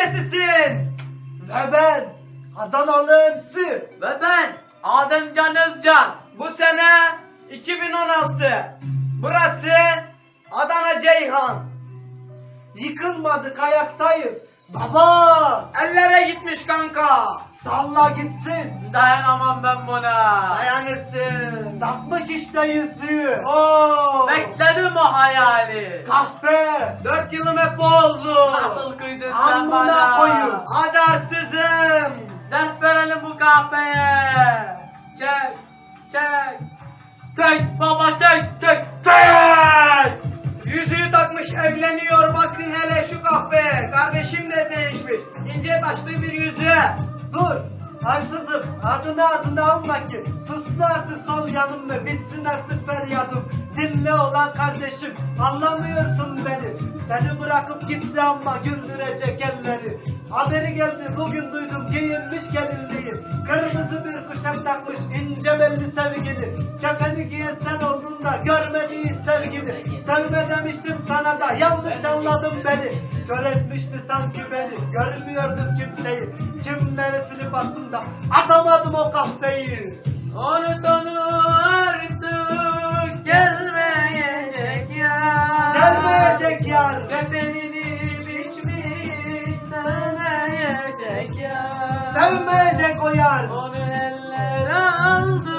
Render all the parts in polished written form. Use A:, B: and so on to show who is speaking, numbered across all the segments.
A: neresisin?
B: Ve ben Adanalı MC.
C: Ve ben Ademcan Özcan.
A: Bu sene 2016. Burası Adana Ceyhan.
B: Yıkılmadık, ayaktayız. Baba,
A: Ellere gitmiş kanka.
B: salla gitsin.
C: Dayanamam ben buna.
A: Dayanırsın.
B: Takmış işte yüzüğü.
A: Oo.
C: Bekledim o hayali.
B: Kahpe.
A: 4 yılım hep oldu.
C: Nasıl kıydın sen
B: Amına
C: bana?
B: koyun.
A: Adarsızım.
C: Ders verelim bu kahveye. Çek, çek. Çek baba çek, çek, çek.
A: Yüzüğü takmış evleniyor, bakın hele şu kahve. Kardeşim de değişmiş. İnce taşlı bir yüzüğe.
B: Dur. Haksızım. Adını ağzına alma ki. Sussun artık sol yanımda. Bitsin artık feryadım. Dinle olan kardeşim. Anlamıyorsun beni. Seni bırakıp gitti ama güldürecek elleri. Haberi geldi bugün duydum giyinmiş gelinliği. Kırmızı bir kuşak takmış ince belli sevgili. Kefeni giyen sen oldun da görmediğin sevgili. Sevme demiştim sana da yanlış anladın beni. Kör etmişti sanki beni. Görmüyordum kimseyi. Kimlere silip attım da atamadım o kahveyi.
C: Unut onu artık gelmeyecek ya.
B: Gelmeyecek yar.
C: Kefenini biçmiş sevmeyecek ya.
B: Sevmeyecek o yar.
C: Onu eller aldı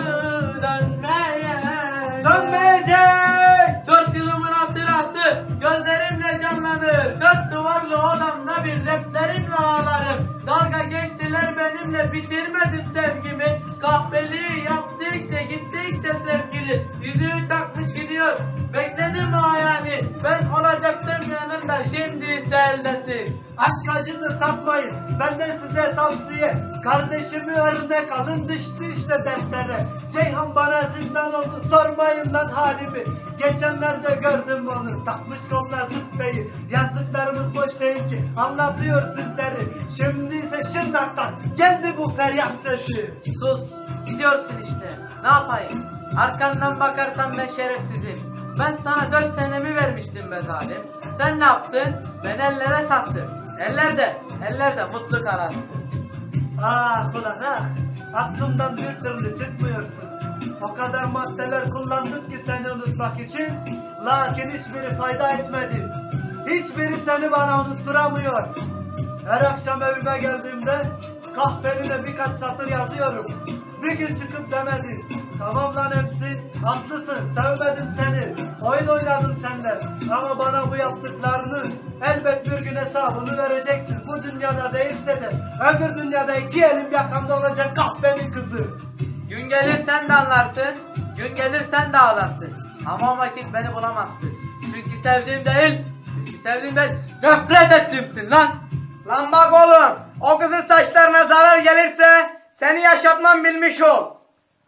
C: dönmeyecek.
B: Dönmeyecek.
C: 4 yılımın hatırası gözlerimle canlanır. 4 duvarlı odamda bir replerimle ağlarım. Dalga geçtiler benimle bitirmedim sevgimi. Kahveliği yaptı işte gitti işte sevgili. Yüzüğü takmış gidiyor. Bekledim o hayali. Ben olacaktım yanımda şimdi eldesin.
B: Aşk acıdır tatmayın. Benden size tavsiye. Kardeşimi örnek alın düştü işte dertlere. Ceyhan bana zindan oldu sormayın lan halimi. Geçenlerde gördüm onu takmış koluna züppeyi. Yazdıklarımız boş değil ki anlatıyor sizleri. Şimdi ise Şırnak'tan geldi bu feryat sesi.
C: Sus. Gidiyorsun işte. Ne yapayım? Arkandan bakarsan ben şerefsizim. Ben sana 4 senemi vermiştim be zalim. Sen ne yaptın? Ben ellere sattın. Ellerde mutlu kararsın.
B: Ah ulan ah. Aklımdan bir türlü çıkmıyorsun. O kadar maddeler kullandık ki seni unutmak için. Lakin hiçbiri fayda etmedi. Hiçbiri seni bana unutturamıyor. Her akşam evime geldiğimde kahveline birkaç satır yazıyorum. Bir gün çıkıp demedin. Tamam lan hepsi. Haklısın. Sevmedim seni. Oyun oynadım seninle. Ama bana bu yaptıklarını elbet bir gün hesabını vereceksin. Bu dünyada değilse de öbür dünyada 2 elim yakamda olacak kahvenin kızı.
C: Gün gelir sen de anlarsın. Gün gelir sen de ağlarsın. Ama o vakit beni bulamazsın. Çünkü sevdiğim değil. Nefret ettimsin lan.
A: Lan bak oğlum, o kızın saçlarına zarar gelirse seni yaşatmam bilmiş ol.